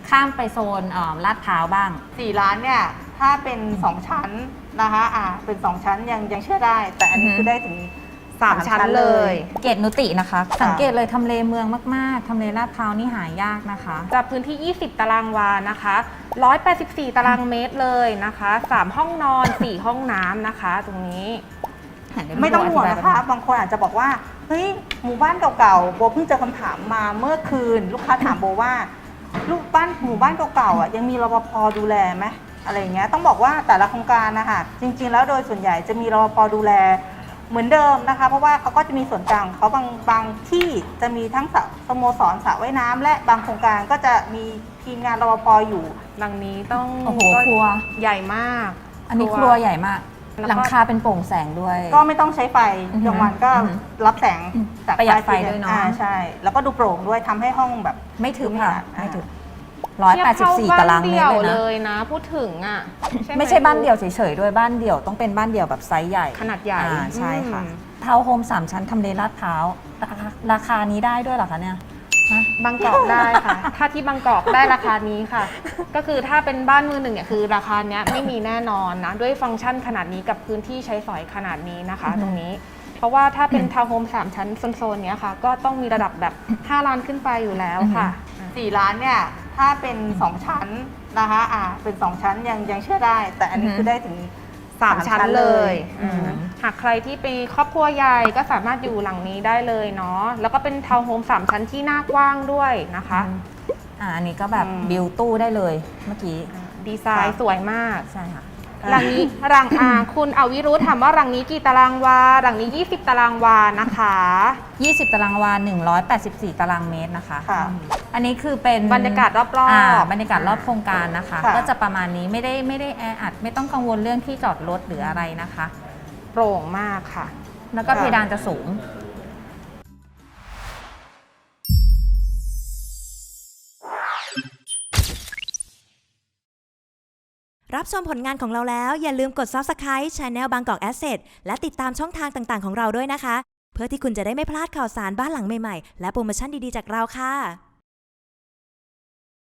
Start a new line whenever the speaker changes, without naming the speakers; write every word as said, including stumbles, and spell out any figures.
ข้ามไปโซนลาดพร้าวบ้าง
สี่ล้านเนี่ยถ้าเป็นสองชั้นนะคะอ่าเป็นสองชั้นยังยังเชื่อได้แต่อันนี้คือได้ถึง
สามชั้นเลย
เกตนุตินะคะสังเกตเลยทำเลเมืองมากๆทำเลลาดพร้าวนี่หายากนะคะ
จากพื้นที่ยี่สิบตารางวานะคะหนึ่งร้อยแปดสิบสี่ตารางเมตรเลยนะคะสามห้องนอนสี่ห้องน้ำนะคะตรงนี้
ไม่ต้องห่วงนะคะบางคนอาจจะบอกว่าเฮ้ยหมู่บ้านเก่าๆโบเพิ่งเจอคำถามมาเมื่อคืนลูกค้าถามโบว่าลูกบ้านหมู่บ้านเก่าๆอ่ะยังมีรปภดูแลไหมอะไรอย่างเงี้ยต้องบอกว่าแต่ละโครงการนะคะจริงๆแล้วโดยส่วนใหญ่จะมีรปภดูแลเหมือนเดิมนะคะเพราะว่าเขาก็จะมีส่วนกลางเขาบางบางที่จะมีทั้งสโมสรสระว่ายน้ำและบางโครงการก็จะมีทีมงานรปภอยู่
หลังนี้ต้อง
โอ้โหครัว
ใหญ่มาก
อันนี้ครัวใหญ่มากหลังคาเป็นโปร่งแสงด้วย
ก็ไม่ต้องใช้ไฟกลางวันก็รับแสง
จากประหยัดไฟด้วยเนาะ
ใช่แล้วก็ดูโปร่งด้วยทำให้ห้องแบบ
ไม่ถึงค่ะไม่ถึงร้อยแปดสิบสี่ตารางเมตร
เลยนะพูดถึงอ่ะ
ไม่ใช่บ้านเดี่ยวเฉยๆด้วยบ้านเดี่ยวต้องเป็นบ้านเดี่ยวแบบไซส์ใหญ่
ขนาดใหญ่
ใช่ค่ะทาวน์โฮมสามชั้นทำเลลาดพร้าวราคานี้ได้ด้วยเหรอคะเนี่ย
บางกอกได้ค่ะถ้าที่บางกอกได้ราคานี้ค่ะก็คือถ้าเป็นบ้านมือหนึ่งเนี่ยคือราคาเนี้ยไม่มีแน่นอนนะด้วยฟังก์ชันขนาดนี้กับพื้นที่ใช้สอยขนาดนี้นะคะตรงนี้เพราะว่าถ้าเป็นทาวน์โฮมสามชั้นโซนๆเนี้ยค่ะก็ต้องมีระดับแบบห้าล้านขึ้นไปอยู่แล้วค่ะ
สี่ล้านเนี่ยถ้าเป็นสองชั้นนะคะอ่าเป็นสองชั้นยังยังเชื่อได้แต่อันนี้คือได้ถึง
สามชั้นเลยหากใครที่เป็นครอบครัวใหญ่ก็สามารถอยู่หลังนี้ได้เลยเนาะแล้วก็เป็นทาวน์โฮมสามชั้นที่น่ากว้างด้วยนะคะ
อ่าอันนี้ก็แบบบิวตู้ได้เลยเมื่อกี้
ดีไซน์สวยมาก
ใช่ค่ะ
หลังนี้รังอาคุณอวิรุธถามว่ารังนี้กี่ตารางวารังนี้ยี่สิบตารางวานะคะ
ยี่สิบตารางวาหนึ่งร้อยแปดสิบสี่ตารางเมตรนะคะอันนี้คือเป็น
บรรยากาศรอบ
ๆบรรยากาศรอบโครงการนะคะก็จะประมาณนี้ไม่ได้ไม่ได้แออัดไม่ต้องกังวลเรื่องที่จอดรถหรืออะไรนะคะ
โปร่งมากค่ะ
แล้วก็เพดานจะสูง
รับชมผลงานของเราแล้วอย่าลืมกด ซับสไครบ์ Channel บางกอก Asset และติดตามช่องทางต่างๆของเราด้วยนะคะเพื่อที่คุณจะได้ไม่พลาดข่าวสารบ้านหลังใหม่ๆและโปรโมชั่นดีๆจากเราค่ะ